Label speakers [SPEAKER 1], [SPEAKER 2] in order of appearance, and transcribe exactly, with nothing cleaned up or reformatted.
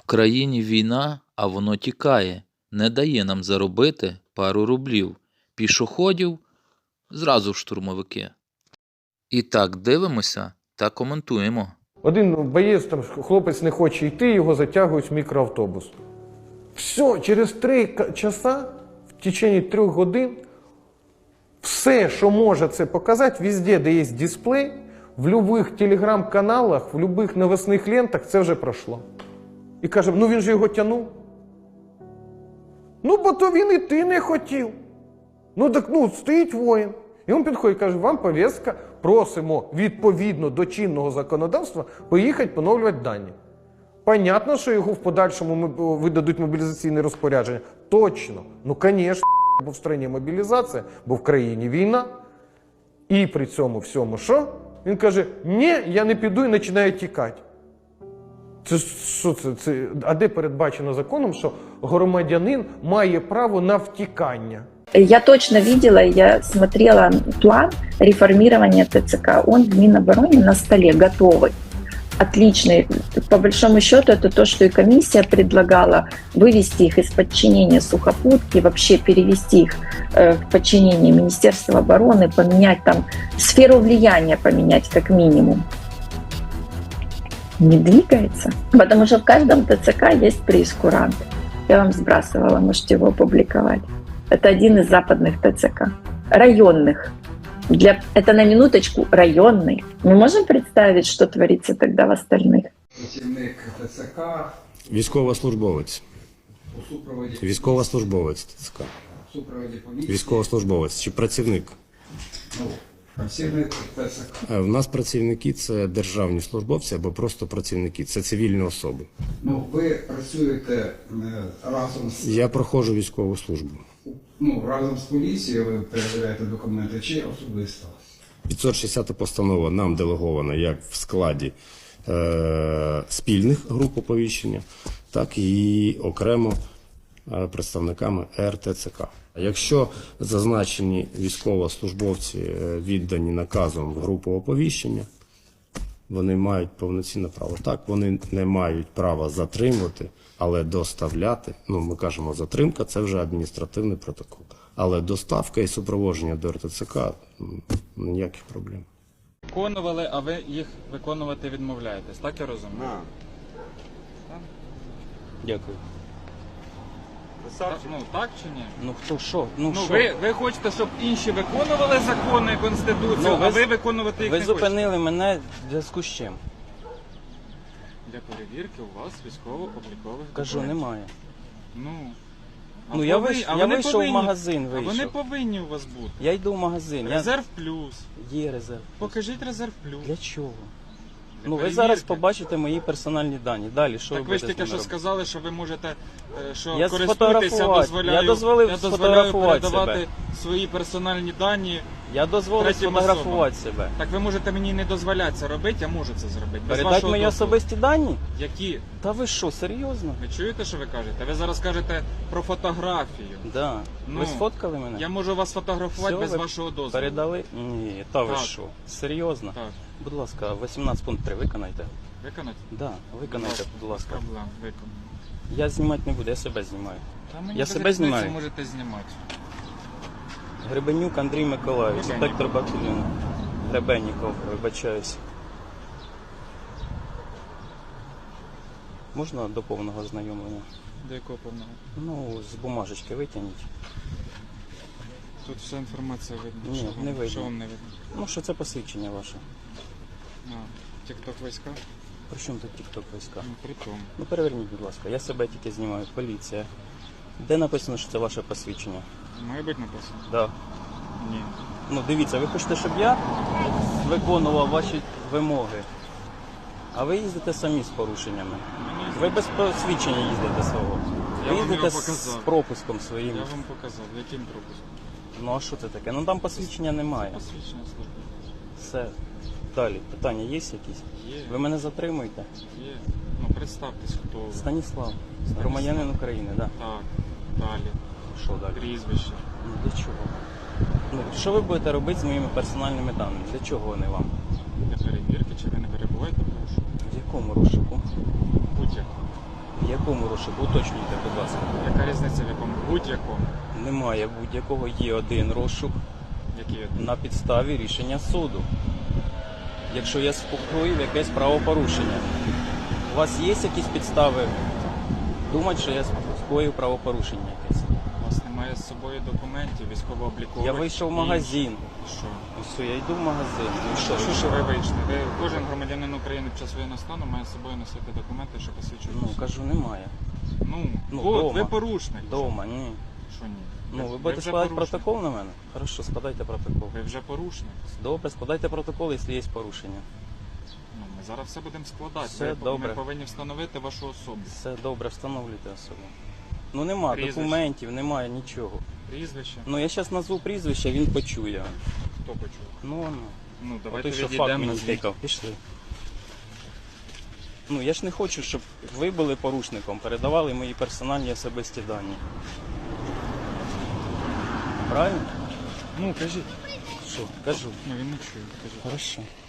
[SPEAKER 1] країні війна, а воно тікає, не дає нам заробити пару рублів. Пішоходів зразу в штурмовики. І так дивимося та коментуємо.
[SPEAKER 2] Один боєць, там хлопець не хоче йти, його затягують в мікроавтобус. Все, через три часа, в течение трьох годин, все, що може це показати, везде, де є дисплей, в будь-яких телеграм-каналах, в будь-яких новосних лентах, це вже пройшло. І каже, ну він же його тягнув. Ну, бо то він і ти не хотів. Ну, так, ну, стоїть воїн. І він підходить і каже, вам повістка, просимо відповідно до чинного законодавства поїхати поновлювати дані. Понятно, що його в подальшому видадуть мобілізаційне розпорядження? Точно. Ну, звісно, бо в країні мобілізація, бо в країні війна. І при цьому всьому що? Він каже, ні, я не піду і починає тікати. Це що це? Це? А де передбачено законом, що громадянин має право на втікання?
[SPEAKER 3] Я точно видела, я смотрела план реформирования ТЦК. Он в Минобороне на столе готовый. Отличный. По большому счету, это то, что и комиссия предлагала вывести их из подчинения сухопутки, вообще перевести их в подчинение Министерства обороны, поменять там сферу влияния, поменять как минимум. Не двигается. Потому что в каждом ТЦК есть прейскурант. Я вам сбрасывала, можете его опубликовать. Это один из западных ТЦК. Районных. Для... Это на минуточку районный. Мы можем представить, что творится тогда в остальных?
[SPEAKER 4] Працівник ТЦК.
[SPEAKER 5] Військовослужбовець.
[SPEAKER 4] У супроводі.
[SPEAKER 5] Військовослужбовець ТЦК.
[SPEAKER 4] У супроводі поліції.
[SPEAKER 5] Військовослужбовець чи працівник?
[SPEAKER 4] Ну, працівник ТЦК.
[SPEAKER 5] У нас працівники – це державні службовці або просто працівники, це цивільні особи.
[SPEAKER 4] Ну, ви працюєте е, разом з...
[SPEAKER 5] Я проходжу військову службу.
[SPEAKER 4] Ну, разом з поліцією ви перевіряєте документи чи особисто?
[SPEAKER 5] п'ятсот шістдесята постанова нам делегована як в складі е, спільних груп оповіщення, так і окремо е, представниками ер те це ка. Якщо зазначені військовослужбовці віддані наказом в групу оповіщення, вони мають повноцінне право. Так, вони не мають права затримувати, але доставляти, ну ми кажемо затримка, це вже адміністративний протокол. Але доставка і супроводження до ер те це ка – ніяких проблем.
[SPEAKER 6] Виконували, а ви їх виконувати відмовляєтесь, так я розумію?
[SPEAKER 7] На.
[SPEAKER 5] Дякую.
[SPEAKER 6] Так, ну так чи ні?
[SPEAKER 8] Ну хто що? Ну,
[SPEAKER 6] Ну
[SPEAKER 8] що?
[SPEAKER 6] ви, ви хочете, щоб інші виконували закони, Конституцію,
[SPEAKER 8] Ну,
[SPEAKER 6] а
[SPEAKER 8] ви-
[SPEAKER 6] ви виконувати їх
[SPEAKER 8] Ви
[SPEAKER 6] не хочете?
[SPEAKER 8] зупинили мене в зв'язку з чим?
[SPEAKER 6] Для перевірки у вас військово-облікових
[SPEAKER 8] Кажу,
[SPEAKER 6] документів.
[SPEAKER 8] немає.
[SPEAKER 6] Ну, а
[SPEAKER 8] Ну, я
[SPEAKER 6] повинні-
[SPEAKER 8] вийш-
[SPEAKER 6] а
[SPEAKER 8] я
[SPEAKER 6] вони
[SPEAKER 8] вийшов в
[SPEAKER 6] повинні-
[SPEAKER 8] магазин,
[SPEAKER 6] А вони
[SPEAKER 8] вийшов.
[SPEAKER 6] повинні у вас бути.
[SPEAKER 8] Я йду в магазин. Я...
[SPEAKER 6] Резерв плюс.
[SPEAKER 8] Є резерв.
[SPEAKER 6] Покажіть резерв плюс.
[SPEAKER 8] Для чого?
[SPEAKER 6] Для
[SPEAKER 8] Ну ви
[SPEAKER 6] перевірки.
[SPEAKER 8] зараз побачите мої персональні дані. Далі, що
[SPEAKER 6] Так
[SPEAKER 8] ви
[SPEAKER 6] ви ж
[SPEAKER 8] будете
[SPEAKER 6] тільки
[SPEAKER 8] з ними
[SPEAKER 6] що
[SPEAKER 8] робити?
[SPEAKER 6] сказали, що ви можете, е, що
[SPEAKER 8] Я
[SPEAKER 6] користуєтеся,
[SPEAKER 8] сфотографувати.
[SPEAKER 6] дозволяю,
[SPEAKER 8] Я дозволив
[SPEAKER 6] я дозволяю
[SPEAKER 8] сфотографувати
[SPEAKER 6] передавати
[SPEAKER 8] себе.
[SPEAKER 6] свої персональні дані.
[SPEAKER 8] Я дозволив
[SPEAKER 6] третім
[SPEAKER 8] сфотографувати себе.
[SPEAKER 6] Так ви можете мені не дозволяти це робити, я можу це зробити. Без
[SPEAKER 8] Передати
[SPEAKER 6] вашого
[SPEAKER 8] мої
[SPEAKER 6] дозволу.
[SPEAKER 8] особисті дані?
[SPEAKER 6] Які?
[SPEAKER 8] Та ви що, серйозно?
[SPEAKER 6] Ви чуєте, що ви кажете? Ви зараз кажете про фотографію.
[SPEAKER 8] Да.
[SPEAKER 6] Ну,
[SPEAKER 8] Ви сфоткали мене?
[SPEAKER 6] Я можу вас фотографувати
[SPEAKER 8] Все,
[SPEAKER 6] без
[SPEAKER 8] ви
[SPEAKER 6] вашого дозволу.
[SPEAKER 8] Передали? Ні, та ви
[SPEAKER 6] Так.
[SPEAKER 8] що? Серйозно?
[SPEAKER 6] Так.
[SPEAKER 8] Будь ласка, вісімнадцять пункт три виконайте.
[SPEAKER 6] Виконати?
[SPEAKER 8] Да, виконайте, будь ласка.
[SPEAKER 6] Проблем, виконаю.
[SPEAKER 8] Я знімати не буду, я себе знімаю.
[SPEAKER 6] Та мені
[SPEAKER 8] Я
[SPEAKER 6] без
[SPEAKER 8] себе
[SPEAKER 6] різниці,
[SPEAKER 8] знімаю.
[SPEAKER 6] можете знімати.
[SPEAKER 8] Гребенюк Андрій Миколаївич,
[SPEAKER 6] Гребенюк.
[SPEAKER 8] інспектор батальйону. Гребенніков, вибачаюсь. Можна до повного ознайомлення?
[SPEAKER 6] До якого повного?
[SPEAKER 8] Ну, з бумажечки витягніть.
[SPEAKER 6] Тут вся інформація видно.
[SPEAKER 8] Ні,
[SPEAKER 6] що вам,
[SPEAKER 8] не видно.
[SPEAKER 6] Що вам не видно?
[SPEAKER 8] Ну, що це посвідчення ваше.
[SPEAKER 6] А, тік-ток війська?
[SPEAKER 8] При чому тут тік-ток війська?
[SPEAKER 6] Ну, при тому.
[SPEAKER 8] Ну, переверніть, будь ласка, я себе тільки знімаю, поліція. Де написано, що це ваше посвідчення?
[SPEAKER 6] Має бути написано?
[SPEAKER 8] Да.
[SPEAKER 6] Ні.
[SPEAKER 8] Ну, дивіться, ви хочете, щоб я виконував ваші вимоги, а ви їздите самі з порушеннями.
[SPEAKER 6] Мені
[SPEAKER 8] Ви без посвідчення їздите свого.
[SPEAKER 6] Я
[SPEAKER 8] Ви
[SPEAKER 6] вам
[SPEAKER 8] їздите
[SPEAKER 6] його
[SPEAKER 8] з
[SPEAKER 6] показав.
[SPEAKER 8] пропуском своїм.
[SPEAKER 6] Я вам показав, яким пропуском?
[SPEAKER 8] Ну а що це таке? Ну там посвідчення немає.
[SPEAKER 6] Посвідчення служби.
[SPEAKER 8] Все. Далі. Питання є якісь?
[SPEAKER 6] Є,
[SPEAKER 8] Ви мене затримуєте?
[SPEAKER 6] є. Ну, представтесь, хто ви.
[SPEAKER 8] Станіслав. Громадянин України, так. Да.
[SPEAKER 6] Так, далі.
[SPEAKER 8] Що далі?
[SPEAKER 6] Прізвище.
[SPEAKER 8] Ну для чого? Ну, що ви будете робити з моїми персональними даними? Для чого вони вам?
[SPEAKER 6] Для перевірки, чи ви не перебуваєте в розшуку?
[SPEAKER 8] В якому розшуку?
[SPEAKER 6] Будь-якому.
[SPEAKER 8] В якому? якому розшуку? Уточнюйте, будь ласка.
[SPEAKER 6] Яка різниця в якому? Будь-якому.
[SPEAKER 8] Немає будь-якого, є один розшук
[SPEAKER 6] Який один?
[SPEAKER 8] на підставі рішення суду. Якщо я скоїв якесь правопорушення. У вас є якісь підстави думати, що я скоїв правопорушення якесь?
[SPEAKER 6] У вас немає з собою документів, військово-облікових.
[SPEAKER 8] Я вийшов в
[SPEAKER 6] і-
[SPEAKER 8] магазин.
[SPEAKER 6] Що?
[SPEAKER 8] Ось я йду в магазин.
[SPEAKER 6] Ну що, що, що ви вийшли? Ви, кожен громадянин України під час воєнного стану має з собою носити документи, що посвідчують.
[SPEAKER 8] Ну,
[SPEAKER 6] особу.
[SPEAKER 8] кажу, немає.
[SPEAKER 6] Ну,
[SPEAKER 8] ну,
[SPEAKER 6] от,
[SPEAKER 8] дома.
[SPEAKER 6] ви порушник.
[SPEAKER 8] Дома, ні.
[SPEAKER 6] Що ні?
[SPEAKER 8] Ну, ви
[SPEAKER 6] вже
[SPEAKER 8] будете складати
[SPEAKER 6] порушник.
[SPEAKER 8] протокол на мене? Хорошо, складайте протокол.
[SPEAKER 6] Ви вже порушник.
[SPEAKER 8] Добре, складайте протокол, якщо є порушення.
[SPEAKER 6] Ну, ми зараз все будемо складати.
[SPEAKER 8] Все
[SPEAKER 6] ви,
[SPEAKER 8] добре.
[SPEAKER 6] Ми повинні встановити вашу особу.
[SPEAKER 8] Все добре, встановлюйте особу. Ну нема
[SPEAKER 6] Прізвище.
[SPEAKER 8] документів, немає нічого.
[SPEAKER 6] Прізвище.
[SPEAKER 8] Ну я зараз назву прізвище, він почує.
[SPEAKER 6] Хто почув?
[SPEAKER 8] Ну, ну.
[SPEAKER 6] Ну,
[SPEAKER 8] А
[SPEAKER 6] давайте
[SPEAKER 8] той, що факт
[SPEAKER 6] відійдемо.
[SPEAKER 8] мені
[SPEAKER 6] назвіть.
[SPEAKER 8] тикав. Пішли. Ну я ж не хочу, щоб ви були порушником, передавали мої персональні особисті дані. Правильно?
[SPEAKER 6] Ну, кажіть.
[SPEAKER 8] Що? Кажу.
[SPEAKER 6] Ну, він не чує. Кажіть.
[SPEAKER 8] Хорошо.